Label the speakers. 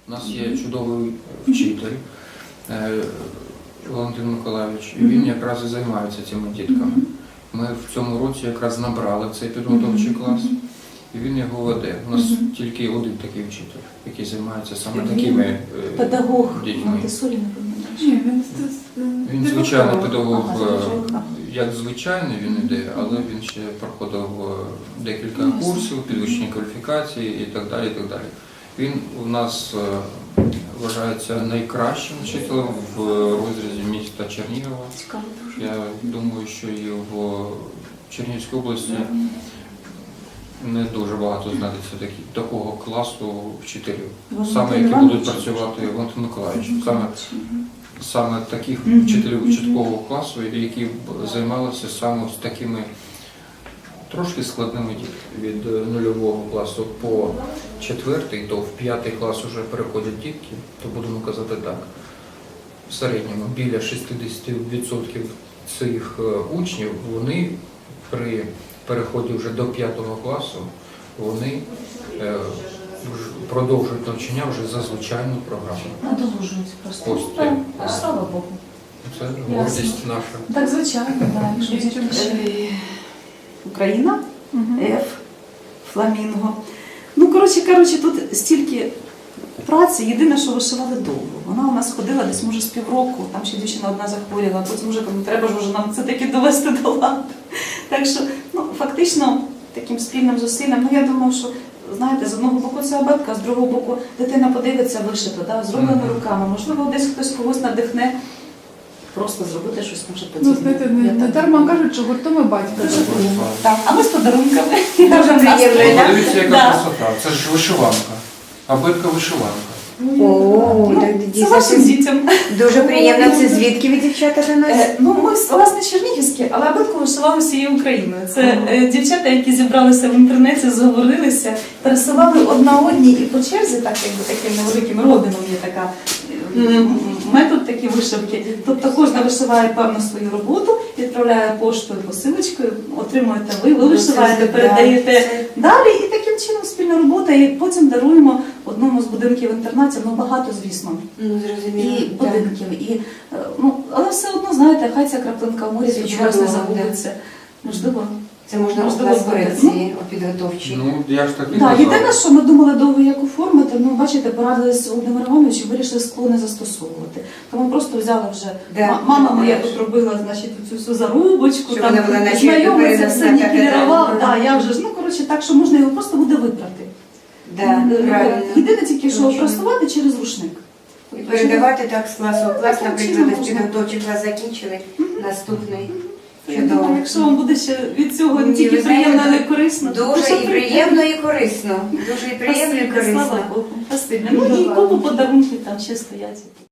Speaker 1: У нас є чудовий вчитель Валентин Миколайович, і він якраз і займається цими дітками. Ми в цьому році якраз набрали цей підготовчий клас, і він його веде. У нас тільки один такий вчитель, який займається саме такими
Speaker 2: педагог
Speaker 1: дітьми.
Speaker 2: Монтессорі, напевно.
Speaker 1: Він звичайний педагог, як звичайний він іде, але він ще проходив декілька курсів, підвищення кваліфікації і так далі. І так далі. Він у нас вважається найкращим вчителем в розрізі міста Чернігова.
Speaker 2: Цікаво дуже.
Speaker 1: Я думаю, що і в Чернігівській області не дуже багато знайдеться такого класу вчителів, саме які будуть працювати Валентин Миколайович. Саме таких вчителів чіткого класу, які б займалися саме з такими трошки складними дітками. Від 0 класу по 4, то в 5 клас вже переходять дітки, то будемо казати так. В середньому біля 60% цих учнів, вони при переході вже до 5 класу, вони продовжують навчання вже за звичайну програму.
Speaker 2: Надолужують просто.
Speaker 1: Ось
Speaker 2: Так, слава Богу.
Speaker 1: це гордість наша.
Speaker 2: Так, звичайно, так.
Speaker 3: Україна, Ф, Фламінго. Ну, коротше кажучи, тут стільки праці, єдине, що вишивали довго. Вона у нас ходила десь, може, з півроку, там ще дівчина одна захворіла, потім вже треба ж вже нам це таки довести до ладу. Так що, ну, фактично, таким спільним зусиллям, ну, я думаю, що, знаєте, з одного боку це абетка, з другого боку дитина подивиться вишито, да, зробленими руками. Можливо, десь хтось когось надихне просто зробити щось, може,
Speaker 4: Ну,
Speaker 3: подібне.
Speaker 4: знаєте, не дарма кажуть, що гуртом і батько.
Speaker 3: Так, а ми з подарунками.
Speaker 2: Дуже приємно.
Speaker 1: Подивіться, яка красота. Це ж вишиванка. Абетка вишиванка.
Speaker 5: О, так
Speaker 3: Це
Speaker 5: дійсно
Speaker 3: вашим дітям.
Speaker 5: дуже приємно. Це звідки ви, дівчата, до нас?
Speaker 3: Ну, ми, власне, чернігівські, але абетку вишивали всією Україною. Це дівчата, які зібралися в інтернеті, зговорилися, пересилали одна одній і по черзі, так якби таким невеликим родином є така метод такі вишивки. Тобто кожна вишиває певну свою роботу, відправляє поштою, посилочкою, отримуєте ви вишиваєте, передаєте далі, і таким чином спільна робота, і потім даруємо одному з будинків інтернатів, ну багато, звісно,
Speaker 5: Ну, зрозуміло.
Speaker 3: і будинків, і, ну, але все одно, знаєте, хай ця краплинка в морі,
Speaker 5: Це
Speaker 3: хоч раз не
Speaker 5: чудово,
Speaker 3: забудеться. Можливо.
Speaker 5: Це можна
Speaker 3: Можливо,
Speaker 5: у
Speaker 3: буде.
Speaker 5: ці підготовчі.
Speaker 1: Ну, я ж так і
Speaker 3: Так, єдине,
Speaker 1: казав.
Speaker 3: що ми думали довго як оформити, ну, бачите, порадилися з Володимиром Івановичем, вирішили скло не застосовувати. Тому просто взяли вже,
Speaker 5: Да.
Speaker 3: мама моя тут робила, значить, цю всю зарубочку,
Speaker 5: Щоб
Speaker 3: там,
Speaker 5: вона була наче
Speaker 3: знайомиться,
Speaker 5: переносна
Speaker 3: все
Speaker 5: така,
Speaker 3: нікелірував,
Speaker 5: да.
Speaker 3: так, я вже ж, ну, коротше, так, що можна його просто буде випрати.
Speaker 5: Да, правильно.
Speaker 3: Єдине тільки, що
Speaker 5: Дуже.
Speaker 3: просувати через рушник.
Speaker 5: І передавати так з класу в клас,
Speaker 3: Таким
Speaker 5: наприклад,
Speaker 3: чином
Speaker 5: десь
Speaker 3: можна.
Speaker 5: підготовчий клас закінчили, наступний.
Speaker 3: Я думаю, якщо вам буде ще від цього не
Speaker 5: Ні,
Speaker 3: тільки
Speaker 5: ви
Speaker 3: приємно,
Speaker 5: знаєте,
Speaker 3: але й корисно. то
Speaker 5: Дуже і
Speaker 3: прийдете.
Speaker 5: приємно, і корисно. Дуже і приємно, і
Speaker 3: Спасибі, слава
Speaker 5: корисно.
Speaker 3: Богу. Спасибі. Ну і купу подарунків там ще стоять.